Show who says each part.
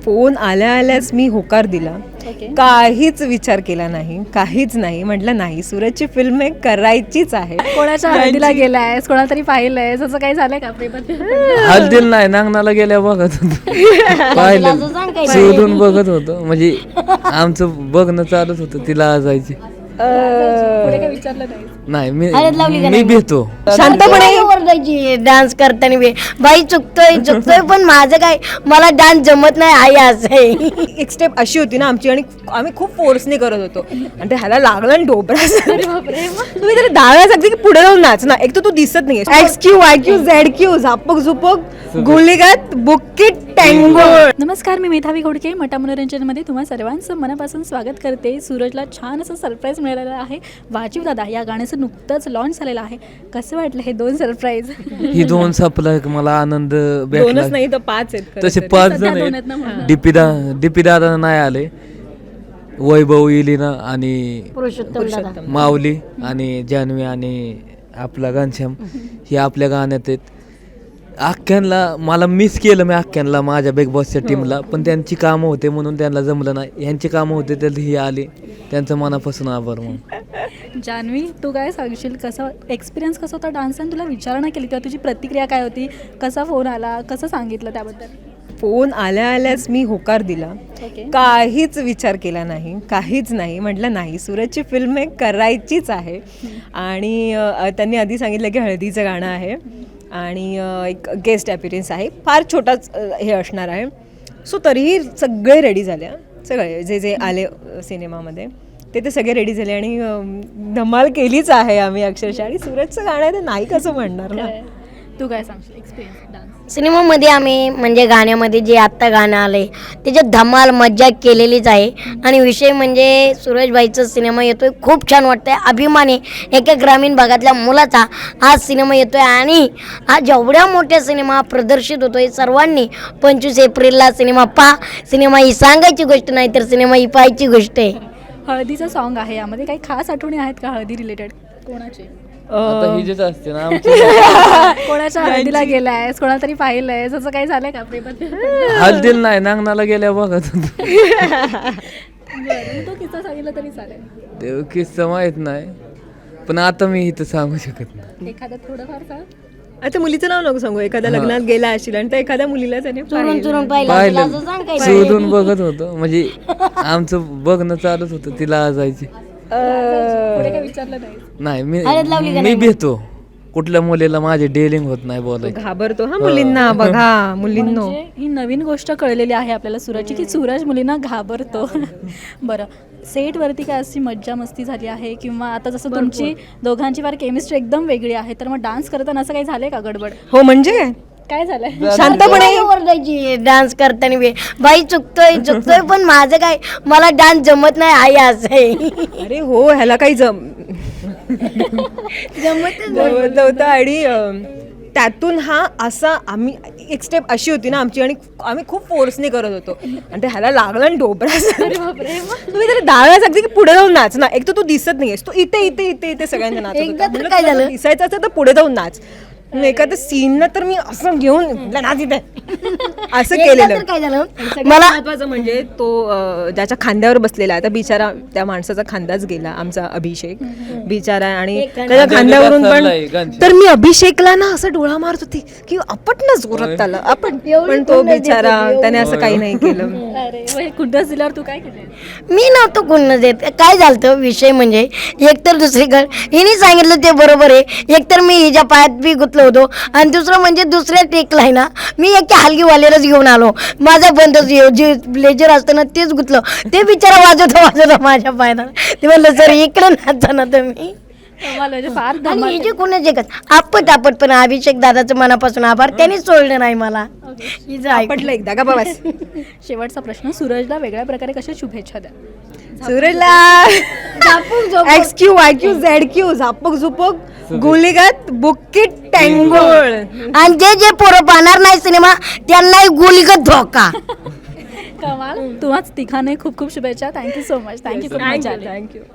Speaker 1: Phone आल्याच मी होकार दिला. काहीच विचार केला नाही, काहीच नाही. म्हटलं नाही, सूरजची फिल्म आहे, करायचीच आहे.
Speaker 2: कोणाच्या हळदीला गेलायस, कोणाला तरी पाहिलंय, असं काही झालंय का प्रेमात?
Speaker 3: हळदीला नाही, नांगणाला गेल्या बघत होतो. पाहिलं शोधून बघत होतो, म्हणजे आमचं बघणं चालूच होतं. तिला आजायची
Speaker 2: पुढे काही विचारलं नाही.
Speaker 3: नाही, मी भेटतो
Speaker 4: शांतपणे ओरडायची डान्स करताना बाई चुकतोय पण माझं काय, मला डान्स जमत नाही आई असं आहे.
Speaker 1: एक स्टेप अशी होती ना आमची, आणि आम्ही खूप फोर्सने करत होतो, आणि ते ह्याला लागलं आणि डोबरा. तुम्ही त्याला डाव्या सांगते की पुढे जाऊन नाच ना. एक तर तू दिसत नाही, XQ YQ ZQ झापक झुपक गुलिगात बुक्कीट टँगो.
Speaker 2: नमस्कार, मी मेधावी घोडके. मटा मनोरंजनमध्ये तुम्हा सर्वांचं मनापासून स्वागत करते. सूरजला छान असं सरप्राईज मिळालेलं आहे. वाजीव दादा या गाण्याचं नुकतंच लॉन्च झालेलं आहे. कसं वाटलं हे 2 सरप्राईज?
Speaker 3: ही 2 सपला मला आनंद
Speaker 1: 2च
Speaker 3: भेटला.
Speaker 1: नाही तर 5 आहेत खरं
Speaker 3: तसे
Speaker 1: तर.
Speaker 3: 5 जण आहेत. डीपी दादा नाही आले, वैभव इलिना आणि
Speaker 4: पुरुषोत्तम दादा,
Speaker 3: माऊली आणि जान्हवी आणि आपला घनश्याम हे आपल्या गाण्यात आहेत. आख्यांना मला मिस केलं मी, आख्यांना माझ्या बिग बॉसच्या टीमला, पण त्यांची कामं होते म्हणून त्यांना जमलं नाही. ह्यांची कामं होते तर ही आली, त्यांचं मनापासून आभार. मग
Speaker 2: जान्हवी, तू काय सांगशील? कसा एक्सपिरियन्स कसा होता डान्सचा? आणि तुला विचारणा केली तेव्हा तुझी प्रतिक्रिया काय होती? कसा फोन आला, कसं सांगितलं त्याबद्दल?
Speaker 1: फोन आल्याच मी होकार दिला. काहीच विचार केला नाही, काहीच नाही. म्हटलं नाही, सूरजची फिल्म आहे, करायचीच आहे. आणि त्यांनी आधी सांगितलं की हळदीचं गाणं आहे आणि एक गेस्ट अपीअरन्स आहे, फार छोटाच हे असणार आहे. सो तरीही सगळे रेडी झाले, सगळे जे आले सिनेमामध्ये ते सगळे रेडी झाले आणि धमाल केलीच आहे आम्ही अक्षरशः. आणि सूरजचं गाणं आहे तर नाही कसं म्हणणार ना.
Speaker 2: तू काय सांगशील एक्सपिरियन्स डान्स?
Speaker 4: सिनेमामध्ये आम्ही म्हणजे गाण्यामध्ये जे आत्ता गाणं आलंय त्याच्यात धमाल मज्जा केलेलीच आहे. आणि विषय म्हणजे सूरजबाईचा सिनेमा येतोय, खूप छान वाटतंय. अभिमान आहे एका ग्रामीण भागातल्या मुलाचा हा सिनेमा येतोय. आणि हा जेवढ्या मोठ्या सिनेमा प्रदर्शित होतोय, सर्वांनी 25 एप्रिलला सिनेमा पहा. सिनेमा ही सांगायची गोष्ट नाही तर सिनेमा ही पाहायची गोष्ट आहे.
Speaker 2: हळदीचं सॉन्ग आहे, यामध्ये काही खास आठवणी आहेत का हळदी रिलेटेड? कोणाची?
Speaker 3: आता ही जेच असते ना आमची
Speaker 2: कोणाच्या हळदीला गेलायस, कोणाला तरी पाहिलंय, असं काही झालंय का प्रेमात?
Speaker 3: हळदीला नाही, नांगणाला गेल्या बघत होतो.
Speaker 2: तो किस्सा सांगितलं तरी चालेल.
Speaker 3: ते किस्सा माहित नाही, पण आता मी इथं सांगू शकत नाही.
Speaker 2: एखादं थोडंफार सांग.
Speaker 1: आता मुलीचं नाव नको सांगू. एखाद्या लग्नात गेला असेल आणि तर एखाद्या मुलीला त्याने
Speaker 4: चुरून पाहिलं
Speaker 3: पाहिलं
Speaker 4: असं सांग काय.
Speaker 3: शोधून बघत होतो, म्हणजे आमचं बघणं चालूच होतं. तिला आजायची
Speaker 2: पुढे काही विचारलं नाही.
Speaker 3: नाही, मी भेटतो. कुठल्या मुलीला माझे डेलिंग होत नाही बोलायचं.
Speaker 1: घाबरतो हा मुलींना. बघा मुलींनो,
Speaker 2: म्हणजे ही नवीन गोष्ट कळलेली आहे आपल्याला सूरजची, की सूरज मुलींना घाबरतो. बरं, सेटवरती काय अशी मज्जा मस्ती झाली आहे, किंवा आता जसं तुमची दोघांची फार केमिस्ट्री एकदम वेगळी आहे, तर मग डान्स करताना असं काही झालंय का गडबड?
Speaker 1: हो म्हणजे
Speaker 2: काय झालंय?
Speaker 1: शांतपणे
Speaker 4: ओरडायची डान्स करताना बाई चुकतोय पण माझं काय, मला डान्स जमत नाही आई असं आहे.
Speaker 1: अरे हो, ह्याला काही
Speaker 4: जमतच
Speaker 1: नव्हतं. आणि त्यातून हा असा आम्ही एक स्टेप अशी होती ना आमची, आणि आम्ही खूप फोर्सने करत होतो, आणि ते ह्याला लागलं आणि डोबरा. तुम्ही त्याला डाव्या सांगते की पुढे जाऊन नाच ना. एक तर तू दिसत नाहीयेस, तू इथे इथे इथे इथे सगळ्यांना नाच.
Speaker 4: एकदा तर काय झालं?
Speaker 1: दिसायचं असेल तर पुढे जाऊन नाच. एखाद्या सीनला तर मी असं घेऊन नाच इथे असं केलेलं.
Speaker 4: काय झालं
Speaker 1: मला महत्वाचं म्हणजे तो ज्याच्या खांद्यावर बसलेला आहे, आता बिचारा त्या माणसाचा खांदाच गेला, आमचा अभिषेक बिचारा. आणि त्याच्या खांद्यावरून पण तर मी अभिषेकला ना असं डोळा मारत होती की आपट ना जोरात त्याला आपण, पण तो बिचारा त्याने असं काही नाही केलं.
Speaker 2: अरे कुठंच दिल्यावर तू काय केलं?
Speaker 4: मी नव्हतं कोण देत. काय झालं विषय म्हणजे, एकतर दुसरीकडे हिने सांगितलं ते बरोबर आहे, एकतर मी हिच्या पायात बी गुतलो होतो, आणि दुसरं म्हणजे दुसऱ्या टेकला आहे ना मी एका हलगीवाल्यालाच घेऊन आलो. माझा बंदच जे ब्लेजर असतं ना तेच गुतलं. ते बिचारा वाजवतो माझ्या पायाला. ते म्हणलं सर इकडे नाचा ना तुम्ही.
Speaker 2: फार
Speaker 4: आणि हे जे कोणाचे आपट पण अभिषेक दादाचं मनापासून आभार, त्यांनीच सोडलं नाही मला.
Speaker 1: आपटलं एकदा का बाबा.
Speaker 2: शेवटचा प्रश्न, सूरजला वेगळ्या प्रकारे कशा शुभेच्छा द्या?
Speaker 1: सूरजला XQ YQ ZQ झापक झुपक गुलिगात बुक्कीट टँगो.
Speaker 4: आणि जे पोरं पाहणार नाही सिनेमा त्यांनाही गुलिगत धोका.
Speaker 2: कमाल. तुम्हाच तिघांनाही खूप खूप शुभेच्छा. Thank you so much. Thank you.
Speaker 1: Thank you.